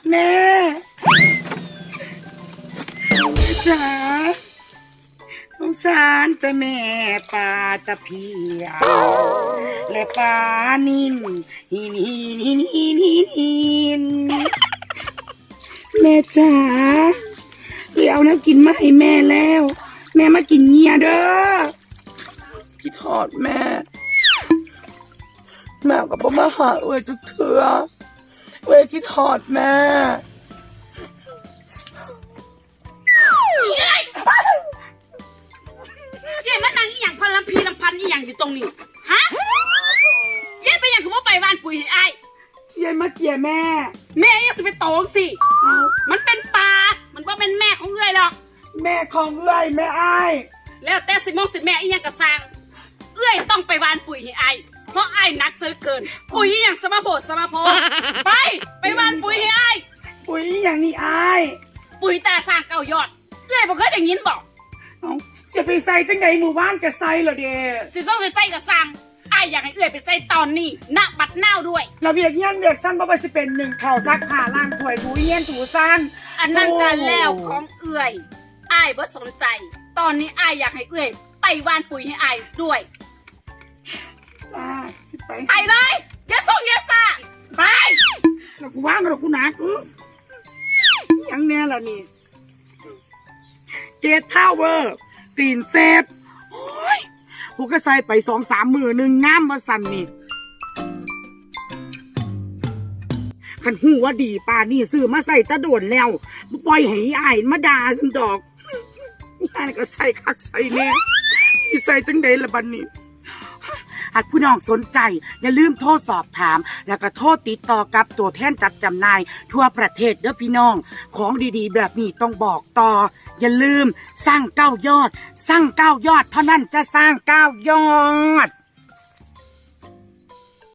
แม่จ๋าสงสารแต่แม่ปลาตะเพียและปลานินหินหินหินหินหินหินแม่จ๋าเอาน้ำกินมาให้แม่แล้วแม่มากินเงียเด้อคิดทอดแม่กับพ่อมาหาจุกเถื่อคิดทอดแม่เย่มันนางอีหยังพันลำพีลำพันอีหยังอยู่ตรงนี้ฮะเย่ไปยังคือว่าไปบ้านปุ๋ยให้อ้ายยายมาเกลียแม่ยังสิไปโตงสิมันเป็นปลามันว่าเป็นแม่ของเอื้อยหรอกแม่ของเอื้อยแม่อ้ายแล้วแต่สิมองสิแม่อีหยังกระซังเอื้อยต้องไปบ้านปุ๋ยให้อ้ายเพราะอ้ายนักเสือเกินปุ๋ยอีหยังสมาโพไปบ้านปุ๋ยให้อ้ายปุ๋ยอย่างนี้อ้ายปุ๋ยตาสร้างเก่ายอดเอื้อยบ่เคยได้ยินบอกเสียไปใส่ตั้งไหนหมู่บ้านกระไซเหรอเด้สิส่งใส่กระซังอ้ายอยากให้เอื้อยไปใส่ตอนนี้ณบัดนาวด้วยเราเวียกเงี้ยนเวียกสั้นเพราะว่าสิเป็นหนึ่งข่าวซักผ้าล้างถ้วยถูเงี้ยนถูสั้นอันนั้นกันแล้วของเอื้อยอ้ายบ่สนใจตอนนี้อ้ายอยากให้เอื้อยไปบ้านปุ๋ยให้อ้ายด้วยไปเลยอย่าส่งอย่าซาไปแล้วกูว่างแล้วกูหนักยังแน่ล่ะนี่เกตทาวเวอร์กรีนเซฟโอ้ยกูก็ใส่ไป2-3 มือหนึ่งงามมาสั่นนี่ขันหูว่าดีป่านี่ซื้อมาใส่ตะโดนแล้วปล่อยให้อ้ายมาด่าฉันดอกอ้ายก็ใส่คักใส่แน่ที่ใส่จังใดละบัดนี้หากผู้น้องสนใจอย่าลืมโทรสอบถามแล้วก็โทรติดต่อกับตัวแทนจัดจำหน่ายทั่วประเทศเด้อพี่น้องของดีๆแบบนี้ต้องบอกต่ออย่าลืมสร้าง9 ยอดเท่านั้นจะสร้าง9 ยอด